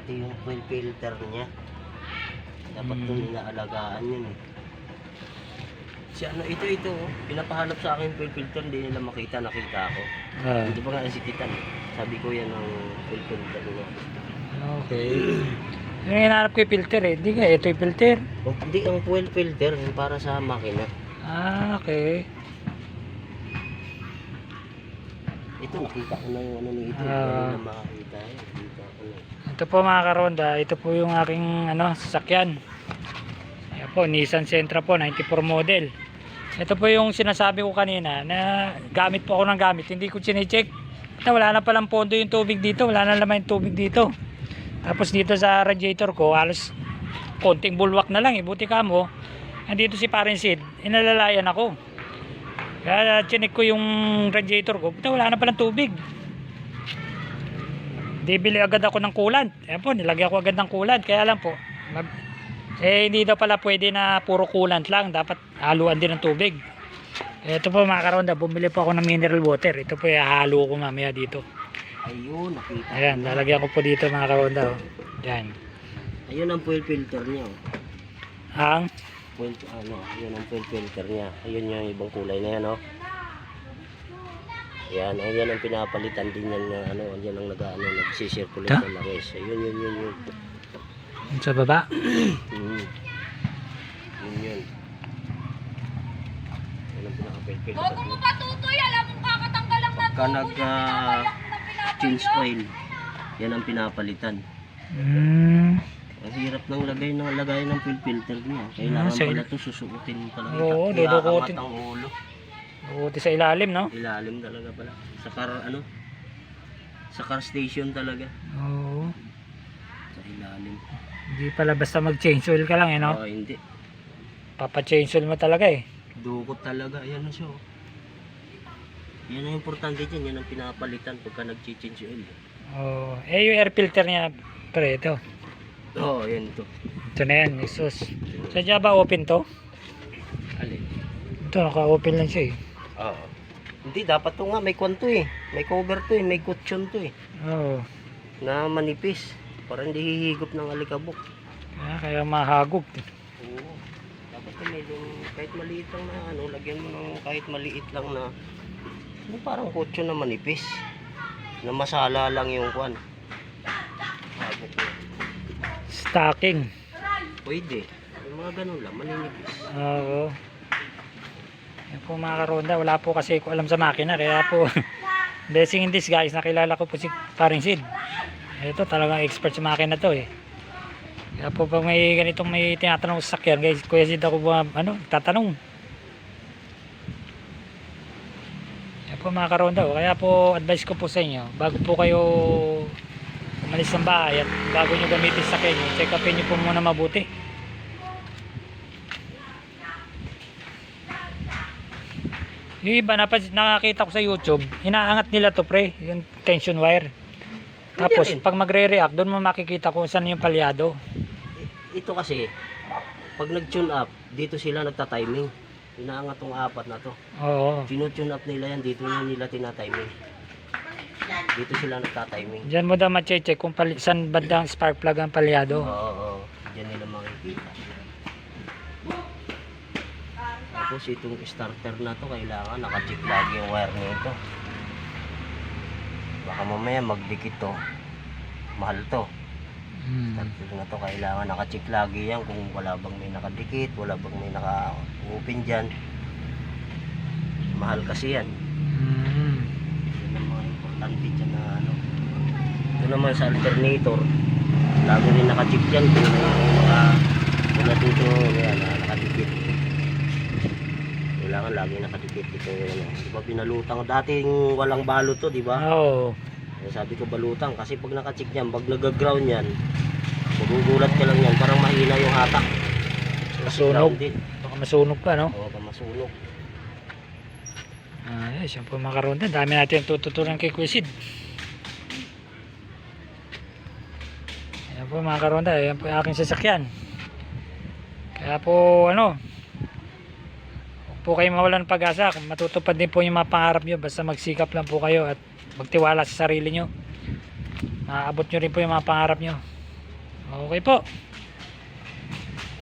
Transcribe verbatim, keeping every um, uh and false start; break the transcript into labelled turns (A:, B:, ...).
A: ito yung fuel filter niya. Dapat
B: Hmm.
A: doon inaalagaan yun eh. Si ano, ito, ito, oh. Pinapahanap sa akin fuel filter, hindi nila makita, nakita ako.
B: Ah,
A: Hindi ba nga nasikitan eh. Sabi ko yan ang fuel filter niya.
B: okay. Yung hinahanap ko yung filter eh. Hindi nga, ito yung filter.
A: Oh, hindi, ang fuel filter, yung para sa makina.
B: Ah, okay.
A: Ito, nakita ko na yung ano ni ito.
B: Ah.
A: Hindi na makakita eh. Nakita ko na.
B: Ito po mga karonda, ito po yung aking ano, sasakyan. Ayan po, Nissan Sentra po, ninety-four model. Ito po yung sinasabi ko kanina na gamit po ako ng gamit. Hindi ko chinecheck. Na wala na palang pondo yung tubig dito. Wala na naman yung tubig dito. Tapos dito sa radiator ko, halos konting bulwak na lang eh. Buti ka mo, andito si Parin Sid, inalalayan ako. Kaya chinek ko yung radiator ko. Buti wala na palang tubig. Bibili agad ako ng coolant. Ayan po, nilagyan ko agad ng coolant. Kaya lang po, mag- eh hindi daw pala pwede na puro coolant lang. Dapat haluan din ng tubig. Ito po mga karonda, bumili po ako ng mineral water. Ito po ihahalo ko mamaya dito.
A: Ayun, nakita ko
B: Ayan,
A: na.
B: lalagyan ko po dito mga karonda. Oh. Ayan.
A: Ayun ang fuel filter niya. Oh.
B: Ang
A: Fuel, ano, yun ang fuel filter niya. Ayun yung ibang kulay na yan, oh. Yan, ayan ang pinapalitan din yan na ano, yan ang nag-ano, nagsisirculate
B: Ta?
A: ng langis. Ayun, yun, yun, yun.
B: sa baba.
A: Mm. Yun, yun. Yan ang pinaka-fuel filter.
C: Bago mo pa tutoy, alam mo kakatanggal lang na
A: Pagka nag-change oil, yan ang pinapalitan.
B: Mm.
A: Ang hirap ng lagay ng lagay ng fuel filter niya. Kailangan
B: Ah, sa-
A: pala ito susuotin pala.
B: Oo,
A: Kaya
B: dudukutin.
A: angat ang ulo.
B: Buti sa ilalim, no?
A: Ilalim talaga pala. Sa car ano? Sa car station talaga.
B: Oo.
A: Sa ilalim.
B: Hindi pala basta mag-change oil ka lang, eh, no?
A: Oh, hindi.
B: Papa-change oil mo talaga, eh.
A: Dukot talaga. Ayan na siya. Oh. Yan ang importante dyan. Yan ang pinapalitan pagka nag-change oil.
B: Oh, eh yung air filter niya, pre, ito.
A: Oo, oh, yan to.
B: Ito na yan, exhaust. Sadya ba open to?
A: Alin?
B: Ito, naka-open lang siya, eh.
A: Oo. Hindi, dapat to nga. May kwanto eh. May cover to eh. May kutsyon to eh.
B: Oo.
A: Na manipis. Para hindi hihigop ng alikabok.
B: Kaya, kaya mahagog.
A: Oo. Dapat to may yung kahit maliit lang na ano, lagyan mo ng kahit maliit lang na yung parang kutsyon na manipis. Na masala lang yung kwan. Hagok na.
B: Stocking.
A: Pwede. Yung mga ganun lang, maninipis.
B: Oo. Yan po mga karonda, wala po kasi ko alam sa makina. Kaya po, blessing in this guys, nakilala ko po si Paring Sid. Ito talagang expert sa makina to eh. Kaya po pag may ganitong may tinatanong sa sakyan, guys, Kuya Sid ako po, ano, tatanong. Yan po mga karonda, oh. Kaya po advice ko po sa inyo, bago po kayo umalis ng bahay at bago nyo gamitin sa sakyan nyo, check upin nyo po muna mabuti. Yung iba, napas, nakakita ko sa YouTube, inaangat nila to pre, yung tension wire. Tapos
A: rin.
B: pag magre-react, doon mo makikita kung saan yung palyado.
A: I- Ito kasi, pag nag-tune up, dito sila nagta-timing. Inaangat tong apat na to.
B: Oo.
A: Tino-tune up nila yan, dito na nila tina-timing. Dito sila nagta-timing.
B: Diyan mo daw ma-check kung pali, saan bandang spark plug ang palyado.
A: Oo, oo. Diyan nila makikita. Tapos itong starter na to, kailangan naka-check lagi yung wire nito. Baka mamaya magdikit to. Mahal to.
B: Hmm.
A: Starter na to, kailangan naka-check lagi yan kung wala bang may nakadikit, wala bang may naka-open dyan. Mahal kasi yan.
B: Hmm.
A: Yun ang mga importante dyan na ano. Ito naman sa alternator, lagi rin naka-check dyan kung mga wala dito, yan, nakadikit. Kailangan lagi nakadikit ito. Ano. Di ba pinalutang, dating walang balot to, di ba?
B: Oo.
A: Eh, sabi ko balutang kasi pag naka-check yan, pag nag-ground yan, magugulat ka lang yan, parang mahina yung hatak. Kasi
B: Masunog.
A: grounded.
B: Baka masunog pa, no?
A: Oo, masunog.
B: Ah, yes, yan po mga karonda. Dami natin tututunan kay Kuya Sid. Yan po mga karonda. Yan po yung aking sasakyan. Kaya po, ano, huwag po kayo mawalan ng pag-asa. Matutupad din po yung mga pangarap nyo. Basta magsikap lang po kayo at magtiwala sa sarili nyo. Maaabot nyo rin po yung mga pangarap nyo. Okay po.